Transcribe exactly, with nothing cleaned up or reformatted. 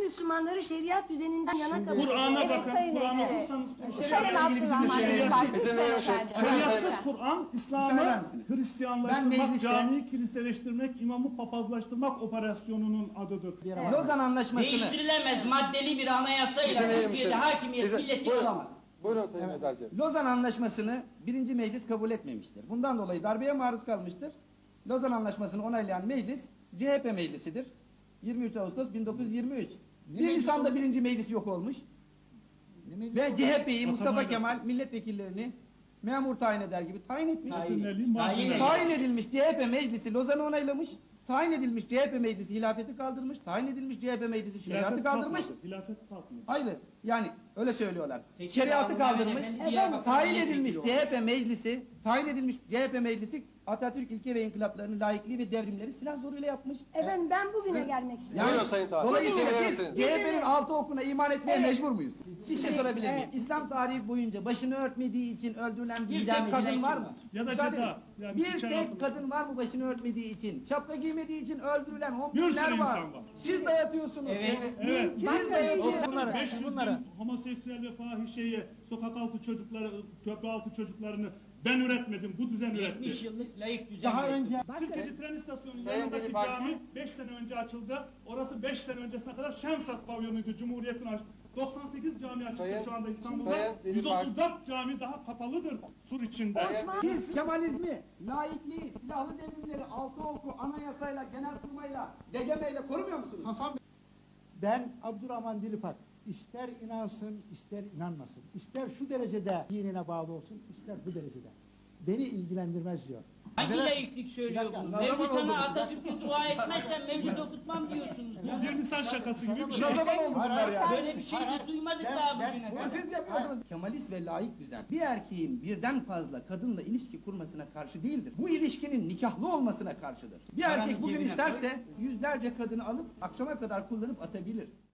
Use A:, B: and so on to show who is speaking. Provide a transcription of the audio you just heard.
A: Müslümanları şeriat düzeninden yana kabul
B: Kur'an'a
A: ediyor.
B: bakın,
C: Sayın
B: Kur'an'a
C: Ekrem.
B: okursanız
C: Sayın
B: ilgili
C: Abdurrahman
B: bizim
C: Bey,
B: şeriatçı,
C: lütfen efendim.
B: şeriatsız Kur'an,
D: Müsaade
B: İslam'ı
D: eder misiniz? Ben
B: Hristiyanlaştırmak,
D: mecliste-
B: camiyi kiliseleştirmek, imamı papazlaştırmak operasyonunun adıdır.
D: Lozan Anlaşması'nı
E: Değiştirilemez maddeli bir anayasayla
F: İzin verir
E: Türkiye'de
F: misiniz?
E: hakimiyet
F: İzin-
E: milleti
F: Buyurun.
E: olamaz.
F: Buyurun Sayın Mezarcı.
D: Lozan Anlaşması'nı birinci meclis kabul etmemiştir. Bundan dolayı darbeye maruz kalmıştır. Lozan Anlaşması'nı onaylayan meclis C H P meclisidir. yirmi üç Ağustos bin dokuz yüz yirmi üç. bir Nisan'da birinci meclis yok olmuş. Ve C H P'yi Mustafa
B: Atamayla.
D: Kemal milletvekillerini memur tayin eder gibi tayin etmiş.
E: Tayin.
B: Bütünlüğü, marjinal.
D: Tayin edilmiş C H P meclisi Lozan'ı onaylamış. Tayin edilmiş C H P meclisi hilafeti kaldırmış. Tayin edilmiş C H P meclisi şeriatı
B: Hilafet
D: kaldırmış.
B: kalkmadı, hilafet kalkmadı.
D: Hayır, yani öyle söylüyorlar.
E: Peki,
D: Şeriatı
E: Abdurrahman
D: kaldırmış.
E: Efendi Diyarbakır
D: Tayin
E: milletvekili
D: edilmiş
E: oldu.
D: C H P meclisi, tayin edilmiş C H P meclisi Atatürk ilke ve inkılaplarını, laikliği ve devrimleri silah zoruyla yapmış.
A: Efendim ben bugüne gelmek istiyorum.
F: Buyurun Sayın Tarık.
D: Dolayısıyla
F: Buyurun
D: biz
F: Sayın.
D: C H P'nin altı okuna iman etmeye
A: Evet.
D: mecbur muyuz? Bir şey sorabilir miyim?
A: Evet.
D: İslam tarihi boyunca başını örtmediği için öldürülen bir
E: İdam
D: tek kadın
E: edilen
D: var
E: kim
D: mı?
E: var?
B: Ya da
D: Müsaade
B: ceza.
D: edin.
B: Yani
D: Bir
B: içeri
D: tek
B: atılmış.
D: kadın var mı başını örtmediği için? Şapka giymediği için öldürülen on
B: Bir sürü
D: binler var.
B: insan var.
D: Siz dayatıyorsunuz.
E: Evet.
B: Evet.
D: Siz dayatıyorsunuz.
A: Bunları-
B: beş yüz
D: bunları.
B: bin homoseksüel ve fahişeye, sokak altı çocukları, köprü altı çocuklarını ben üretmedim, bu düzen
E: yetmiş
B: üretti.
E: yıllık layık düzen.
D: Daha
E: mevcut.
D: önce
B: Sirkeci tren istasyonunun
F: Sayın
B: yanındaki
F: Deli Parti.
B: cami beş sene önce açıldı. Orası beş sene öncesine kadar Şensas pavyonuydu, Cumhuriyet'in açtı. doksan sekiz cami açıldı
F: Sayın-
B: şu anda İstanbul'da.
F: Sayın Deli
B: yüz otuz dört cami daha kapalıdır sur içinde.
D: siz Kemalizmi, laikliği, silahlı devrimleri, altı oku, anayasayla, genelkurmayla, D G M'yle korumuyor musunuz?
G: Hasan Bey, ben Abdurrahman Dilipak, ister inansın, ister inanmasın, ister şu derecede dinine bağlı olsun, ister bu derecede. Beni ilgilendirmez diyor.
E: Hangi
G: Arkadaş,
E: layıklık söylüyor
G: bir dakika,
E: bunu?
G: ne zaman
E: Mevlüt
G: oldu bu?
E: Ana Atatürk'e dua etmezsen mevlüt okutmam diyorsunuz.
B: Bu
E: ya.
B: bir Nisan şakası gibi bir şey.
D: Ne zaman oldu bunlar ya?
E: Böyle bir şey
G: Hayır,
E: biz duymadık
G: ben-
E: daha
G: ben-
E: bugüne
D: Bunu
E: kadar.
D: siz yapıyorsunuz. Kemalist ve laik düzen bir erkeğin birden fazla kadınla ilişki kurmasına karşı değildir. Bu ilişkinin nikahlı olmasına karşıdır. Bir
E: Paranın
D: erkek bugün
E: cebine
D: isterse yüzlerce kadını alıp akşama kadar kullanıp atabilir.